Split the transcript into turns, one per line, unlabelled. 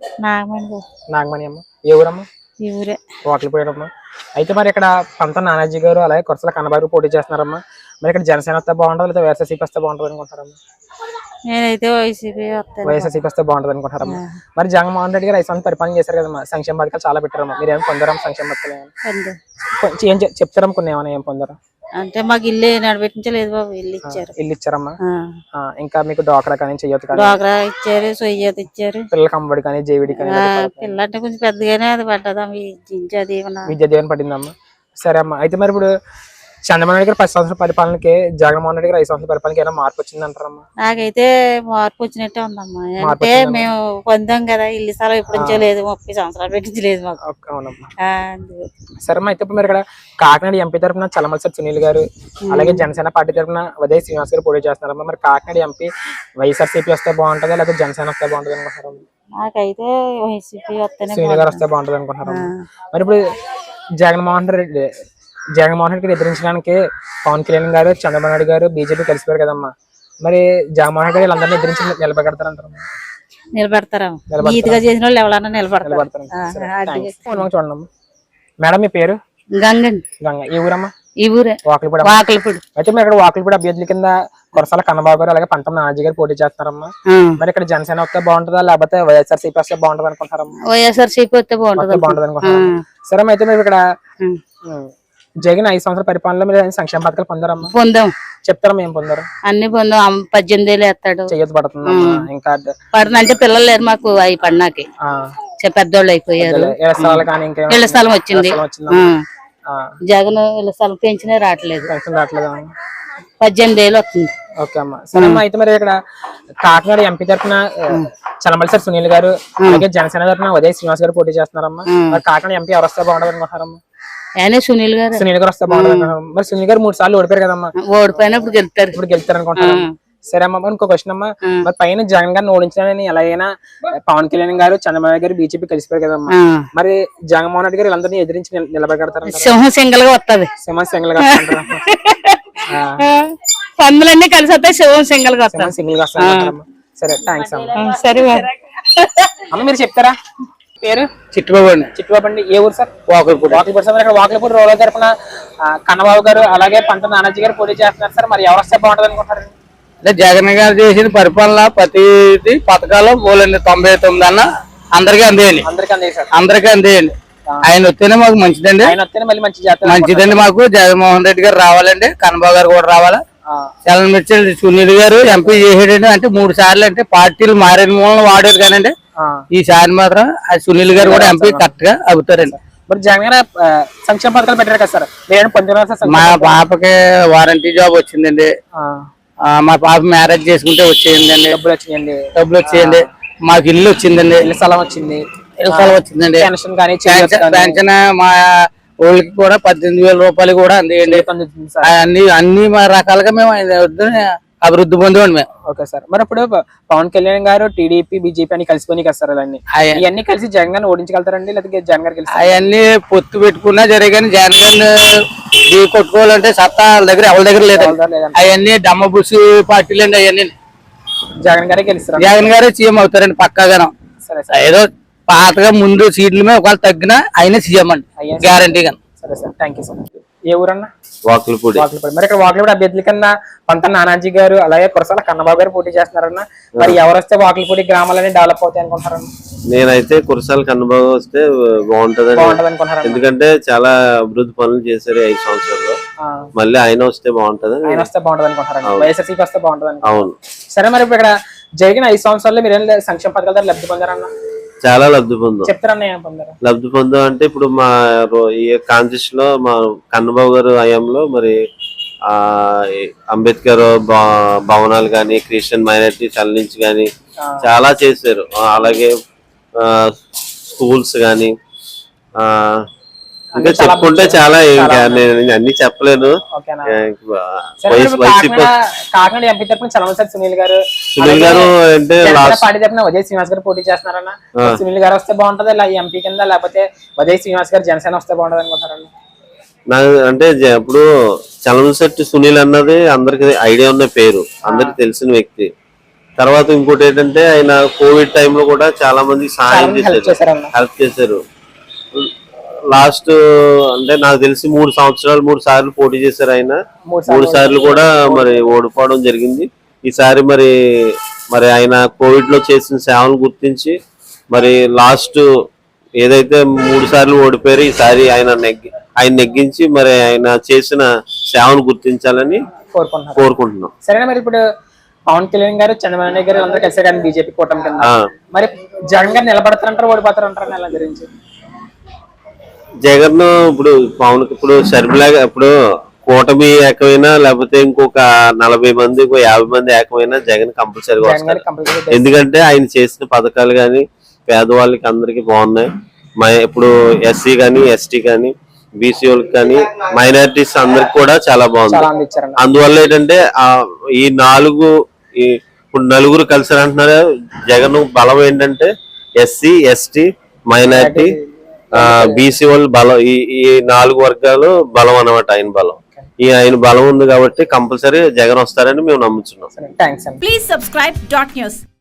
నాగమణి అమ్మ. ఏ ఊరమ్మా?
ఈ ఊరే.
వాకిలిపూడమ్మా. అయితే మరి ఇక్కడ పంత నానాజీ గారు అలాగే కొరసల కన్నబాబు పోటీ చేస్తున్నారమ్మా. మరి ఇక్కడ జనసేన వస్తే బాగుంటుంది లేదా వైఎస్ఆర్సీపీ వస్తే బాగుంటుంది అనుకుంటారమ్మా?
నేనైతే వైసీపీ వస్తాను.
వైఎస్ఆర్సీపీ వస్తే బాగుంటుంది అనుకుంటారమ్మా. మరి జగన్మోహన్ రెడ్డి గారు 5 సంవత్సరాలు పరిపాలన చేశారు కదమ్మా, సంక్షేమ పథకాలు చాలా పెట్టారమ్మా. మీరు ఏమైనా పొందారమ్మా సంక్షేమ పథకాలు? కొంచెం ఏం చెప్తారమ్మా, కొన్ని ఏమైనా ఏం పొందారా?
అంటే మాకు ఇల్లు నడిపించలేదు బాబు, ఇల్లు ఇచ్చారు.
ఇల్లు ఇచ్చారమ్మా. ఇంకా మీకు డ్వాక్రా కానీ చెయ్యొద్దు కానీ?
డ్వాక్రా ఇచ్చారు, సొయ్యత ఇచ్చారు.
పిల్లలకి అమ్మఒడి కానీ జేవిడి కానీ?
పిల్ల అంటే కొంచెం పెద్దగానే అది పడ్డదా విద్యా
దీవెన పడిందమ్మా. సరే అమ్మా. అయితే మరి ఇప్పుడు చంద్రబాబు నాయుడు గారు 10 సంవత్సరాల పరిపాలనకి జగన్మోహన్ రెడ్డి గారు 5 సంవత్సరాల పరిపాలనకి ఏమైనా మార్పు వచ్చింది అంటారమ్మా?
నాకైతే మార్పు వచ్చినట్టే ఉందమ్మా. అంటే మేము పొందాం కదా ఇల్లు స్థలం ఎప్పుడు నుంచో లేదు, 30 సంవత్సరాలు పెట్టించలేదు మాకు.
అవునమ్మా. సరే అమ్మా. అయితే ఇప్పుడు మీరు ఇక్కడ కాకినాడ ఎంపీ తరఫున చలమలసాని సునీల్ గారు అలాగే జనసేన పార్టీ తరఫున ఉదయ్ శ్రీనివాస్ గారు పోటీ చేస్తున్నారమ్మా. మరి కాకినాడ ఎంపీ వైఎస్ఆర్సీపీ వస్తే బాగుంటుందా లేకపోతే జనసేన వస్తే బాగుంటుంది అనుకుంటారు?
నాకైతే వైసీపీ వస్తేనే,
సునీల్ గారు వస్తే బాగుంటుంది అనుకుంటారు. మరి ఇప్పుడు జగన్మోహన్ రెడ్డి గారు ఎదిరించడానికి పవన్ కళ్యాణ్ గారు చంద్రబాబు నాయుడు గారు బీజేపీ కలిసిపోయారు కదమ్మా. మరి జగన్మోహన్ రెడ్డి గారు వీళ్ళందరినీ ఎదిరించి నిలబెడతారంటారు?
నిలబెడతారా? నీతిగా చేసిన వాళ్ళు ఎవరన్నా నిలబడతారు.
చూడండి మేడం, మీ పేరు? గంగ. ఈ ఊరమ్మా?
ఈ ఊరే, వాకిలిపూడి.
అయితే మీరు ఇక్కడ వాకిలిపూడి అభ్యర్థుల కింద కొరసాల కన్నబాబు గారు అలాగే పంతం నానాజీ గారు పోటీ చేస్తున్నారమ్మా. మరి ఇక్కడ జనసేన వస్తే బాగుంటుందా లేకపోతే వైఎస్ఆర్సీపీ వస్తే బాగుంటుంది అనుకుంటారమ్మా?
వైఎస్ఆర్సీపీ వస్తే బాగుంటుంది
అనుకుంటారు. సరే అయితే మీరు ఇక్కడ జగన్ 5 సంవత్సరాల పరిపాలనలో మీరు సంక్షేమ పథకాలు పొందారమ్మా?
పొందాం.
చెప్తారమ్మా ఏం పొందారు?
అన్ని పొందాం. 18,000 వేస్తాడు.
చెయ్యొద్దు పడుతుంది ఇంకా
అంటే పిల్లలు లేరు మాకు, అవి పడినాకి పెద్దోళ్ళు అయిపోయారు. ఇళ్ల స్థలం వచ్చింది. జగన్ ఇళ్ల స్థలం పెంచినా రావట్లేదు. 18,000 వస్తుంది.
ఓకే అమ్మా. సరే అమ్మా. అయితే మరి ఇక్కడ కాకినాడ ఎంపీ తరఫున చలమలసాని సునీల్ గారు అలాగే జనసేన తరఫున ఉదయ్ శ్రీనివాస్ గారు పోటీ చేస్తున్నారమ్మా. మరి కాకినాడ ఎంపీ ఎవరు వస్తే బాగుంటుంది అనుకుంటారమ్మా?
సునీల్ గారు
వస్తే బాగుంటుంది. మరి సునీల్ గారు 3 సార్లు ఓడిపోయారు కదమ్మా.
ఓడిపోయినప్పుడు గెలుస్తారు
అనుకుంటారు. సరే అమ్మా. ఇంకో క్వశ్చన్ అమ్మా. మరి పైన జగన్ గారిని ఓడించాలని ఎలాగైనా పవన్ కళ్యాణ్ గారు చంద్రబాబు గారు బీజేపీ కలిసిపోయారు కదమ్మా. మరి జగన్మోహన్ రెడ్డి గారు వీళ్ళందరినీ ఎదిరించి నిలబెడతారు?
సింహం సింగల్ గా వస్తుంది.
సింహం సింగల్ గా
పందులన్నీ కలిసి వస్తాయి, సింహం సింగల్ గా వస్తాయి.
సింగిల్ గా వస్తాయి. సరే, థ్యాంక్స్ అమ్మా.
సరే
అమ్మ, మీరు చెప్తారా? పేరు?
చిట్టుబాబు అండి.
చిట్టుబాబు అండి. ఏ ఊరు సార్? వాకిలిపూడి. సార్ ఇక్కడ వాకిలిపూడి రోడ్ల తరఫున కన్నబాబు గారు అలాగే పంత నానాజీ గారు పోటీ చేస్తున్నారు సార్. మరి ఎవరు వస్తే బాగుంటుంది అనుకుంటారు?
అంటే జగన్ గారు చేసిన పరిపాలన ప్రతి పథకాలు 99 అన్న అందరికీ అందేయండి. అందరికీ అందేయండి. ఆయన వస్తేనే మాకు మంచిదండి. మంచిదండి మాకు. జగన్మోహన్ రెడ్డి గారు రావాలండి, కన్నబాబు గారు కూడా రావాలా. చలనమిర్చి సునీల్ గారు ఎంపీ చేసాడండి. అంటే 3 సార్లు అంటే పార్టీలు మారిన మూలన వాడారు కానండి. ఈసారి మాత్రం సునీల్ గారు కూడా ఎంపీ కరెక్ట్ గా అవుతారండి.
మరి జగన్ గారు సంక్షేమ పథకాలు పెట్టారు కదా సార్,
మా పాపకి వారంటీ జాబ్ వచ్చిందండి. మా పాప మ్యారేజ్ చేసుకుంటే వచ్చేయండి. డబ్బులు వచ్చేయండి. మాకు ఇల్లు వచ్చిందండి.
ఇల్లు స్థలం వచ్చిందండి.
పెన్షన్ మా ఊళ్ళకి కూడా 18,000 రూపాయలు కూడా అందేయండి. అన్ని రకాలుగా మేము అభివృద్ధి పొందామండి మేము.
Okay sir. మరి ఇప్పుడు పవన్ కళ్యాణ్ గారు టీడీపీ బీజేపీ అని కలిసిపోయి కదా సార్, అవన్నీ కలిసి జగన్ గారిని ఓడించగలుగుతారండి లేకపోతే జగన్ గారు కలిసి?
అవన్నీ పొత్తు పెట్టుకున్నా జరిగాని జగన్ గారిని కొట్టుకోవాలంటే సత్తా వాళ్ళ దగ్గర ఎవరి దగ్గర లేదు. అవన్నీ డమ్మ బుస్ పార్టీలు అండి. అవన్నీ
జగన్ గారే గెలుస్తారు.
జగన్ గారే సీఎం అవుతారండి పక్కాగాను. ఏదో పాతగా ముందు సీట్ల మీద ఒకవేళ తగ్గినా ఆయన సీఎం అండి గ్యారంటీగా.
సరే సార్, థ్యాంక్ యూ సార్. ఏ ఊరన్నా?
వాకిలిపూడి.
మరి ఇక్కడ వాకిలిపూడి అభ్యర్థుల కన్నా పంత నానాజీ గారు అలాగే కురసాల కన్నబాబు గారు పోటీ చేస్తున్నారన్నా. మరి ఎవరు వస్తే వాకిలిపూడి గ్రామాలని డెవలప్ అవుతాయి అనుకుంటారన్నా?
నేనైతే కురసాల కన్నబాబు వస్తే బాగుంటది అనుకుంటున్నాను. ఎందుకంటే చాలా అభివృద్ధి పనులు చేశారు 5 సంవత్సరాల్లో. మళ్ళీ ఆయన వస్తే బాగుంటది.
ఆయన వస్తే బాగుంటది అనుకుంటారు. వైఎస్ఆర్సీపీ వస్తే బాగుంటది.
అవును.
సరే, మరి ఇప్పుడు ఇక్కడ జరిగిన 5 సంవత్సరాల్లో మీరు సంక్షేమ పథకాల ద్వారా లబ్ధి పొందారన్నా?
చాలా లబ్ధి పొందాం.
చెప్తారన్నా ఏం పొందారు?
లబ్ధి పొందాం అంటే ఇప్పుడు మా ఈ కాన్స్టిట్యూషన్ లో మా కన్నబాబు గారు హయాంలో మరి అంబేద్కర్ భవనాలు కానీ క్రిస్టియన్ మైనారిటీ నుంచి కానీ చాలా చేశారు. అలాగే స్కూల్స్ కానీ ఇంకా చెప్పుకుంటే చాలా, ఇంకా నేను అన్ని చెప్పలేను.
కాకినాడ ఎంపీ తరపున చలమలసాని సునీల్ గారు
అంటే
పార్టీ తరపున ఉదయ్ శ్రీనివాస్ గారు పోటీ చేస్తున్నారన్న. సునీల్ గారు వస్తే బాగుంటది ఎంపీ కింద, లేకపోతే ఉదయ్ శ్రీనివాస్ గారు జనసేన వస్తే బాగుంటది అనుకుంటారన్న?
నాకు అంటే ఇప్పుడు చలమలసాని సునీల్ అన్నది అందరికి ఐడియా ఉన్న పేరు, అందరికి తెలిసిన వ్యక్తి. తర్వాత ఇంకోటి ఏంటంటే ఆయన కోవిడ్ టైంలో కూడా చాలా మందికి సహాయం
హెల్ప్
చేశారు,
చేశారన్న.
హెల్ప్ చేశారు. లాస్ట్ అంటే నాకు తెలిసి 3 సంవత్సరాలు 3 సార్లు పోటీ చేశారు ఆయన. 3 సార్లు కూడా మరి ఓడిపోవడం జరిగింది. ఈసారి మరి ఆయన కోవిడ్ లో చేసిన సేవలు గుర్తించి మరి లాస్ట్ ఏదైతే 3 సార్లు ఓడిపోయారో ఈసారి ఆయన నెగ్గించి మరి ఆయన చేసిన సేవను గుర్తించాలని కోరుకుంటున్నాం.
సరేనా, మరి ఇప్పుడు పవన్ కళ్యాణ్ గారు, చంద్రబాబు నాయుడు గారు అందరూ కలిసి కానీ బీజేపీ కూటమి కింద, మరి జగన్ గారు నిలబడతారంటారు, ఓడిపోతారంటారు ఎలా గురించి?
జగన్ ఇప్పుడు షర్మిలాగా ఇప్పుడు కూటమి ఏకమైనా లేకపోతే ఇంకొక 40 మంది 50 మంది ఏకమైనా జగన్ కంపల్సరీగా వస్తారు. ఎందుకంటే ఆయన చేసిన పథకాలు గాని పేదవాళ్ళకి అందరికి బాగున్నాయి. ఇప్పుడు ఎస్సీ కానీ ఎస్టీ కానీ బీసీ వాళ్ళకి కానీ మైనారిటీస్ అందరికి కూడా చాలా బాగుంది. అందువల్ల ఏంటంటే ఇప్పుడు నలుగురు కలిసి అంటున్నారు. జగన్ బలం ఏంటంటే ఎస్సీ ఎస్టీ మైనారిటీ బీసీ వాళ్ళు బలం, ఈ 4 వర్గాలు బలం అన్నమాట. ఆయన బలం, ఆయన బలం ఉంది కాబట్టి కంపల్సరీ జగన్ వస్తారని మేము నమ్ముతున్నాం.
థాంక్స్ అండి.
Please subscribe dot news.